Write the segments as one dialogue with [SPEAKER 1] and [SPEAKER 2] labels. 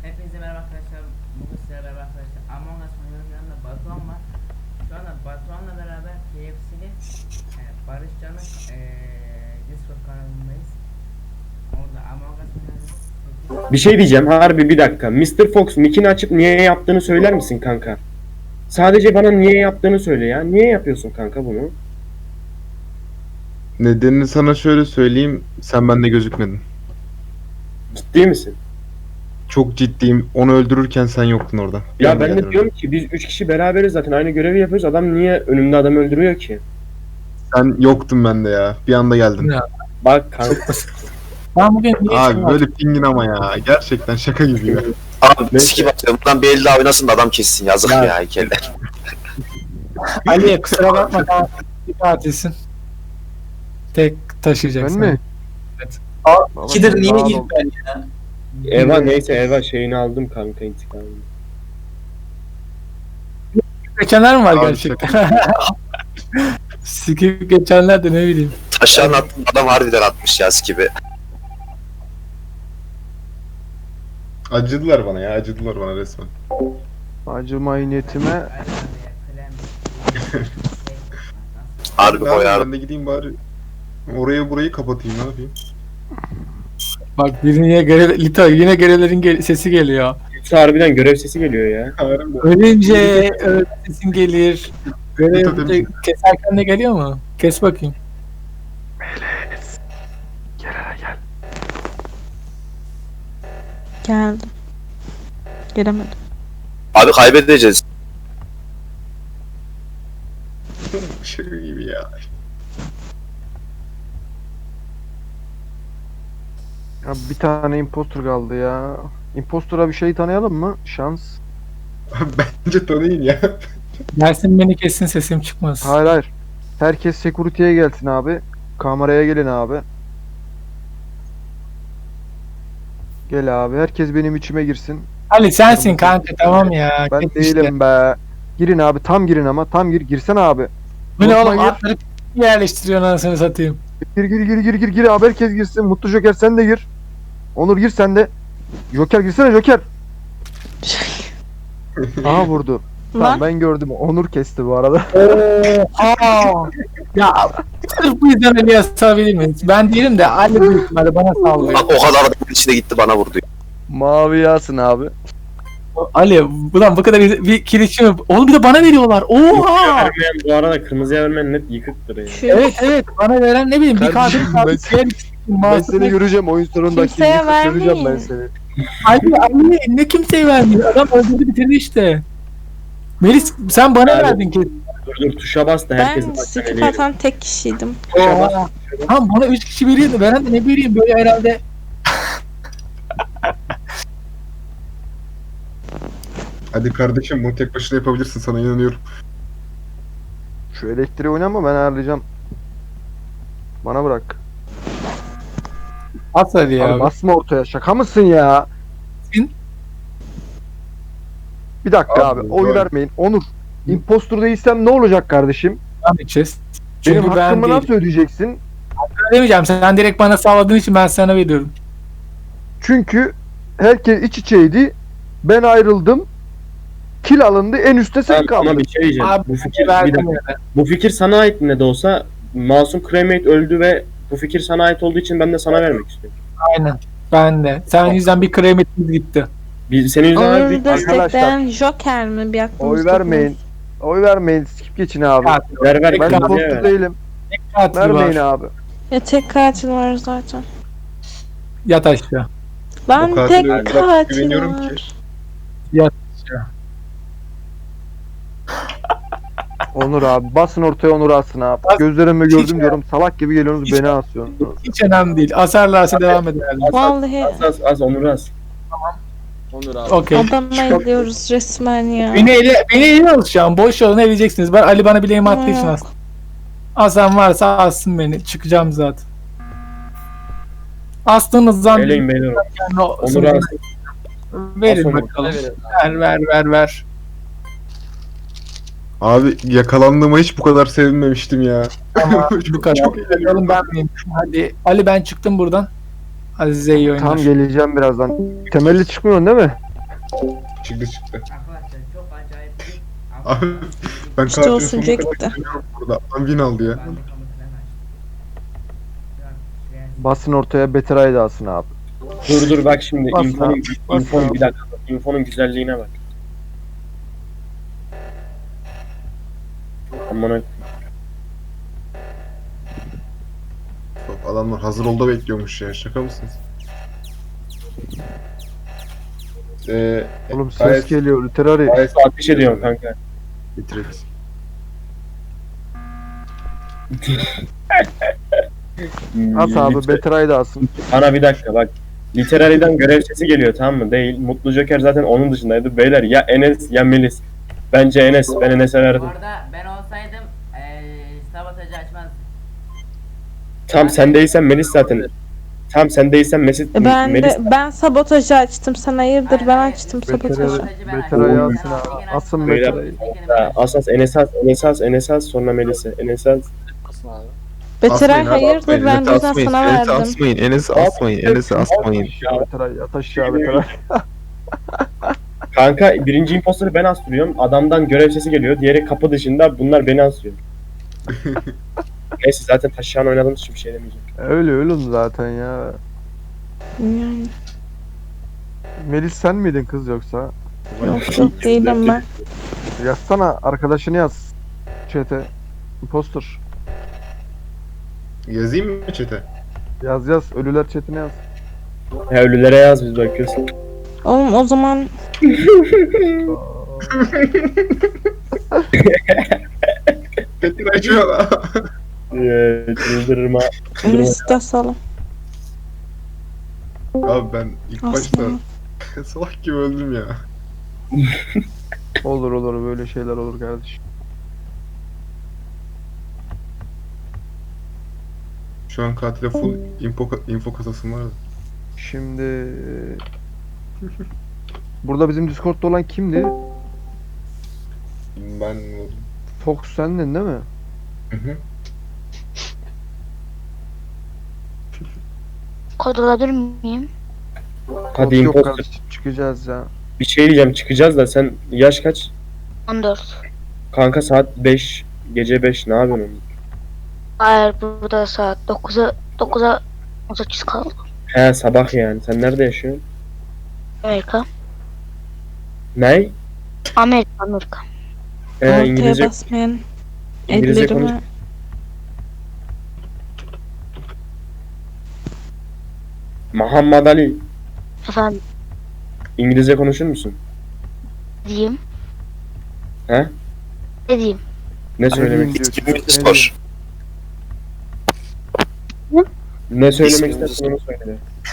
[SPEAKER 1] Hepinize merhaba arkadaşlar. Bugün sizlerle beraber arkadaşlar Among Us oynuyoruz. Yanında Batuhan var. Şu anda Batuhan'la beraber KFC'li Barış Can'ın Discord kanalındayız. Orada Among Us oynuyoruz.
[SPEAKER 2] Bir şey diyeceğim harbi bir dakika. Mr. Fox nickini açıp niye yaptığını söyler misin kanka? Sadece bana niye yaptığını söyle ya. Niye yapıyorsun kanka bunu?
[SPEAKER 3] Nedenini sana şöyle söyleyeyim. Sen bende gözükmedin.
[SPEAKER 2] Ciddi misin?
[SPEAKER 3] Çok ciddiyim. Onu öldürürken sen yoktun orada. Bir
[SPEAKER 2] Ya
[SPEAKER 3] anda
[SPEAKER 2] ben
[SPEAKER 3] geldin
[SPEAKER 2] de diyorum ki biz 3 kişi beraberiz zaten aynı görevi yapıyoruz. Adam niye önümde adamı öldürüyor ki?
[SPEAKER 3] oraya. Sen yoktun bende ya. Bir anda geldin.
[SPEAKER 4] Ya.
[SPEAKER 2] Bak kanka.
[SPEAKER 4] Ben bugün niye
[SPEAKER 3] Abi böyle pingin ama ya. Gerçekten şaka gibi ya.
[SPEAKER 5] Abi
[SPEAKER 2] Neyse.
[SPEAKER 5] sikip atıyorum. Buradan bir el daha oynasın da adam kessin. Yazık
[SPEAKER 2] Ya.
[SPEAKER 5] ya heykeller.
[SPEAKER 4] Ali kusura bakma tamam. Bir tatilsin. Tek taşıyacaksın.
[SPEAKER 6] Ben mi?
[SPEAKER 4] Evet.
[SPEAKER 6] İkidir niye ilk ben?
[SPEAKER 2] Eva neyse Eva şeyini aldım kanka intikamını.
[SPEAKER 4] Geçenler mi var
[SPEAKER 3] Abi
[SPEAKER 4] gerçekten? Sikip geçenler de ne bileyim.
[SPEAKER 5] Taşağın attım adam harbiden atmış ya sikibi.
[SPEAKER 3] Acıdılar bana ya. Acıdılar bana resmen.
[SPEAKER 6] Acımayı niyetime
[SPEAKER 5] Harbi
[SPEAKER 3] Ben
[SPEAKER 5] koyarım.
[SPEAKER 3] de gideyim bari. Orayı burayı kapatayım ne yapayım?
[SPEAKER 4] Bak yine Lito yine görevlerin sesi geliyor.
[SPEAKER 2] Yoksa harbiden görev sesi geliyor ya.
[SPEAKER 3] Harbiden.
[SPEAKER 4] Ölünce sesin gelir. Görev
[SPEAKER 3] Lito demiş.
[SPEAKER 4] keserken de geliyor mu? Kes bakayım.
[SPEAKER 7] Geldim. Gelemedim.
[SPEAKER 5] Abi kaybedeceğiz.
[SPEAKER 3] Şaka gibi ya.
[SPEAKER 6] ya bir tane impostor kaldı ya. Impostor'a bir şey tanıyalım mı? Şans.
[SPEAKER 3] Bence tanıyın ya.
[SPEAKER 4] Dersin beni kessin sesim çıkmaz.
[SPEAKER 6] Hayır hayır. Herkes security'ye gelsin abi. Kameraya gelin abi. Gel abi. Herkes benim içime girsin.
[SPEAKER 4] Ali sensin kanka tamam ya.
[SPEAKER 6] Ben
[SPEAKER 4] Kes
[SPEAKER 6] değilim
[SPEAKER 4] işte.
[SPEAKER 6] be. Girin abi. Tam girin ama. Tam gir. Girsene abi.
[SPEAKER 4] Bu ne oğlum
[SPEAKER 6] Unutma, gir.
[SPEAKER 4] atları yerleştiriyorsun anasını satayım.
[SPEAKER 6] Gir abi. Herkes girsin. Mutlu Joker sen de gir. Onur gir sen de. Joker girsene Joker. Aha vurdu. Tamam
[SPEAKER 7] Lan
[SPEAKER 6] ben gördüm. Onur kesti bu arada.
[SPEAKER 4] Aa, ya sırf bu yüzden Ali'ye asabilir miyiz? Ben değilim de Ali büyük ihtimalle bana sallıyor.
[SPEAKER 5] Bak o kadar adamın içine gitti bana vurdu.
[SPEAKER 6] Mavi yasın abi.
[SPEAKER 4] Ali ulan bu kadar bir kirişi mi? Oğlum bir de bana veriyorlar. Oha!
[SPEAKER 2] Vermeyen bu arada kırmızıya vermeyen net yıkıktır ya.
[SPEAKER 7] şu
[SPEAKER 4] Evet bana veren ne bileyim bir
[SPEAKER 6] Kardeşim,
[SPEAKER 4] katil
[SPEAKER 6] ben seni göreceğim oyun sonunda.
[SPEAKER 7] Kimseye
[SPEAKER 6] Göreceğim ben
[SPEAKER 7] vermeyin.
[SPEAKER 6] seni.
[SPEAKER 4] Ali ne kimseye vermiyor. Adam öldürdü bitirdi işte. Melis sen bana
[SPEAKER 2] Yani-
[SPEAKER 4] verdin ki.
[SPEAKER 2] Dur tuşa bas da herkesin
[SPEAKER 7] ben
[SPEAKER 2] başına
[SPEAKER 7] skip
[SPEAKER 2] veriyor.
[SPEAKER 7] atan tek kişiydim.
[SPEAKER 2] Tuşa bas.
[SPEAKER 4] Tamam bana 3 kişi veriyordu. Veren de ne bileyim böyle herhalde.
[SPEAKER 3] Hadi kardeşim bunu tek başına yapabilirsin sana inanıyorum.
[SPEAKER 6] Şu elektriği oynama ben ayarlayacağım. Bana bırak.
[SPEAKER 4] At hadi ya.
[SPEAKER 6] Abi basma ortaya. Şaka mısın ya?
[SPEAKER 4] Sin-
[SPEAKER 6] Bir dakika
[SPEAKER 3] Abi,
[SPEAKER 6] abi. Oy
[SPEAKER 3] böyle.
[SPEAKER 6] vermeyin. Onur. Impostor değilsem ne olacak kardeşim?
[SPEAKER 4] Devam edeceğiz. Çünkü
[SPEAKER 6] Benim
[SPEAKER 4] ben
[SPEAKER 6] hakkımı
[SPEAKER 4] değilim.
[SPEAKER 6] nasıl ödeyeceksin?
[SPEAKER 4] Demeyeceğim. Sen direkt bana sağladığın için ben sana veriyorum.
[SPEAKER 6] Çünkü herkes iç içeydi. Ben ayrıldım. Kill alındı. En üstte sen
[SPEAKER 2] Tamam, ama
[SPEAKER 6] kaldın.
[SPEAKER 2] bir şey diyeceğim.
[SPEAKER 4] Abi
[SPEAKER 2] Bu fikir, bir
[SPEAKER 4] verdim
[SPEAKER 2] dakika.
[SPEAKER 4] yani.
[SPEAKER 2] Bu fikir sana ait ne de olsa Masum Cremate öldü ve bu fikir sana ait olduğu için ben de sana vermek istiyorum.
[SPEAKER 4] Aynen. Ben de. Sen yüzden bir kremetimiz gitti.
[SPEAKER 2] Senin yüzünden
[SPEAKER 7] Onur'u
[SPEAKER 2] verdik.
[SPEAKER 7] destekleyen Joker mi? Bir aklımız
[SPEAKER 6] Oy vermeyin. Oy vermeyin. Skip geçin abi.
[SPEAKER 4] Katil.
[SPEAKER 2] Ver
[SPEAKER 6] Ben
[SPEAKER 2] kırmızıya
[SPEAKER 6] impostor
[SPEAKER 2] ver.
[SPEAKER 6] değilim.
[SPEAKER 4] Katil
[SPEAKER 6] Vermeyin
[SPEAKER 4] var.
[SPEAKER 6] abi.
[SPEAKER 7] Ya tek katil var zaten.
[SPEAKER 4] Yat aşağı.
[SPEAKER 7] Ben
[SPEAKER 3] O katile
[SPEAKER 7] tek
[SPEAKER 3] o kadar
[SPEAKER 7] katil
[SPEAKER 3] güveniyorum
[SPEAKER 7] var.
[SPEAKER 3] ki.
[SPEAKER 6] Onur abi. Basın ortaya Onur asın abi.
[SPEAKER 4] Bas-
[SPEAKER 6] Gözlerimi
[SPEAKER 4] Hiç-
[SPEAKER 6] gördüm diyorum. Salak gibi geliyorsunuz
[SPEAKER 4] Hiç-
[SPEAKER 6] beni asıyorsunuz.
[SPEAKER 4] Hiç önemli değil. Asarlarsa devam ederler.
[SPEAKER 7] Vallahi
[SPEAKER 2] Az Onur az.
[SPEAKER 4] Okey.
[SPEAKER 7] adama ediyoruz resmen ya.
[SPEAKER 4] Beni ele alışacağım. Boş yolunu eleyeceksiniz. Ben Ali bana bileğimi attığı için
[SPEAKER 7] Yok.
[SPEAKER 4] astım. Asan varsa assın beni. Çıkacağım zaten. Astığınız zaman
[SPEAKER 2] Eleyin beyler.
[SPEAKER 4] yani
[SPEAKER 2] Onur az.
[SPEAKER 4] verin
[SPEAKER 2] As Onur.
[SPEAKER 4] bakalım. Ver.
[SPEAKER 3] Abi yakalandığıma hiç bu kadar sevinmemiştim ya.
[SPEAKER 4] Tamam bu kadar.
[SPEAKER 3] Çok
[SPEAKER 4] Oğlum ben miyim? Hadi Ali ben çıktım buradan. Azize iyi oyunlar.
[SPEAKER 6] Tam geleceğim birazdan. Temelli çıkmıyorsun değil mi?
[SPEAKER 3] Çıktı.
[SPEAKER 1] Arkadaşlar çok acayip bir
[SPEAKER 3] Abi ben
[SPEAKER 7] İşte
[SPEAKER 3] katil
[SPEAKER 7] olsun
[SPEAKER 3] sonuna
[SPEAKER 7] gitti.
[SPEAKER 3] kadar gidiyorum burada. Adam win aldı ya.
[SPEAKER 1] Ben de kamufle açtım. Şu an şuraya
[SPEAKER 6] Basın ortaya Better Eye alsın abi.
[SPEAKER 2] Dur bak şimdi
[SPEAKER 6] Bas
[SPEAKER 2] infonun,
[SPEAKER 6] abi, bas
[SPEAKER 2] infonun
[SPEAKER 6] abi.
[SPEAKER 2] bir dakika. İnfonun güzelliğine bak. Aman
[SPEAKER 3] Bak, adamlar hazır ol da bekliyormuş ya. Şaka mısınız?
[SPEAKER 6] Oğlum ses
[SPEAKER 3] gayet-
[SPEAKER 6] geliyor literary.
[SPEAKER 2] gayet ateş ediyorum kanka.
[SPEAKER 3] Bitiririz.
[SPEAKER 6] As abi Better Eye alsın.
[SPEAKER 2] Bana bir dakika bak. Literary'den görev sesi geliyor tamam mı? Değil. Mutlu Joker zaten onun dışındaydı. Beyler ya Enes ya Melis. Bence Enes. Ben Enes'e
[SPEAKER 1] Bu
[SPEAKER 2] verdim.
[SPEAKER 1] arada ben olsaydım sabotajı açmazdım.
[SPEAKER 2] Tam sen değilsen Melis zaten. Tam sen değilsen Melis.
[SPEAKER 7] Ben sabotajı açtım. Sen hayırdır ben açtım
[SPEAKER 6] Better
[SPEAKER 7] sabotajı.
[SPEAKER 6] Better Eye alsın abi. Asın
[SPEAKER 2] Beyler,
[SPEAKER 6] Better Eye.
[SPEAKER 2] Asas Enes as sonra Melis'e. Enes as.
[SPEAKER 7] Betiray
[SPEAKER 3] Asmayın abi,
[SPEAKER 7] hayırdır
[SPEAKER 3] asmayın.
[SPEAKER 7] ben
[SPEAKER 3] Enes'i
[SPEAKER 7] o yüzden
[SPEAKER 3] asmayın.
[SPEAKER 7] sana
[SPEAKER 3] Enes'i
[SPEAKER 7] verdim.
[SPEAKER 3] asmayın. Enes'i asmayın. Enes'i asmayın.
[SPEAKER 6] Better Eye yat aşağı Better Eye.
[SPEAKER 2] Kanka birinci imposter'ı ben astırıyorum. Adamdan görev sesi geliyor. Diğeri kapı dışında. Bunlar beni asıyor. Neyse zaten taşıyan oynadığımız için bir şey demeyeceğim.
[SPEAKER 6] Öyle zaten ya.
[SPEAKER 7] Yani,
[SPEAKER 6] Melis sen miydin kız yoksa?
[SPEAKER 7] yok değilim ben.
[SPEAKER 6] Yazsana arkadaşını yaz. Chat'e. Imposter.
[SPEAKER 3] Yazayım mı chat'e?
[SPEAKER 6] Yaz ölüler chat'ine yaz.
[SPEAKER 2] Ya ölülere yaz biz bakıyoruz.
[SPEAKER 7] Oğlum o zaman
[SPEAKER 3] Petin açıyor lan.
[SPEAKER 2] Çıldırma.
[SPEAKER 7] liste salın.
[SPEAKER 3] Abi ben ilk başta
[SPEAKER 7] Aslında.
[SPEAKER 3] salak gibi öldüm ya.
[SPEAKER 6] Olur böyle şeyler olur kardeşim.
[SPEAKER 3] Şu an katile full info kasasım var da.
[SPEAKER 6] Şimdi burada bizim Discord'da olan kimdi?
[SPEAKER 3] Ben
[SPEAKER 6] Fox sendin değil mi?
[SPEAKER 3] Hı hı.
[SPEAKER 8] Kod alabilir miyim?
[SPEAKER 2] Hadi
[SPEAKER 6] Yok
[SPEAKER 2] imposter.
[SPEAKER 6] kardeşim çıkacağız ya.
[SPEAKER 2] Bir şey diyeceğim çıkacağız da sen yaş kaç?
[SPEAKER 8] 14.
[SPEAKER 2] Kanka saat 5. Gece 5 ne yapıyorsun?
[SPEAKER 8] Hayır burada saat 9'a 18 kaldı.
[SPEAKER 2] He sabah yani. Sen nerede yaşıyorsun?
[SPEAKER 8] Amerika.
[SPEAKER 2] Ne?
[SPEAKER 8] Amerika.
[SPEAKER 7] Ortaya
[SPEAKER 2] İngilizce
[SPEAKER 7] basmayan
[SPEAKER 2] İngilizce
[SPEAKER 7] ellerimi.
[SPEAKER 2] Muhammed Ali.
[SPEAKER 8] Efendim
[SPEAKER 2] İngilizce konuşur musun?
[SPEAKER 8] diyeyim.
[SPEAKER 2] He?
[SPEAKER 8] Ne diyeyim?
[SPEAKER 2] Ne söylemek
[SPEAKER 6] diyor,
[SPEAKER 5] Gibi bir
[SPEAKER 6] ne
[SPEAKER 5] spor.
[SPEAKER 2] Ne söylemek
[SPEAKER 5] İsmini-
[SPEAKER 2] istersen onu söyle.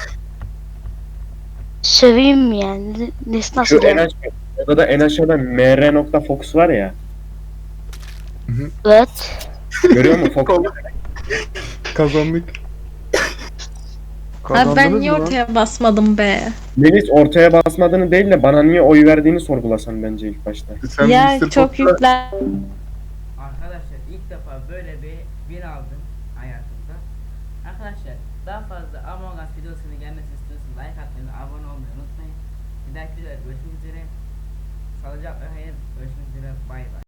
[SPEAKER 8] Söveyim mi yani? Nesi
[SPEAKER 2] Şu
[SPEAKER 8] nasıl
[SPEAKER 2] en
[SPEAKER 8] yani?
[SPEAKER 2] aşağı, odada en aşağıda mr.fox var ya.
[SPEAKER 8] Evet.
[SPEAKER 2] Görüyor musun Fox?
[SPEAKER 3] Kazandık.
[SPEAKER 7] Abi ben
[SPEAKER 6] Kazandınız
[SPEAKER 7] niye
[SPEAKER 6] mı lan?
[SPEAKER 7] ortaya basmadım be?
[SPEAKER 2] Melis ortaya basmadığını değil de bana niye oy verdiğini sorgulasan bence ilk başta.
[SPEAKER 3] Sen
[SPEAKER 7] Ya
[SPEAKER 3] Mr.
[SPEAKER 7] çok
[SPEAKER 3] Fox'la-
[SPEAKER 7] yüklen.
[SPEAKER 1] Arkadaşlar ilk defa böyle bir win aldım hayatımda. Arkadaşlar daha fazla Among Us videosunun gelmesi istiyorsanız like atmayı ve abone olmayı unutmayın. Bir dahaki videoda görüşmek üzere. Sağlıcakla hayır. Görüşmek üzere. Bay bay.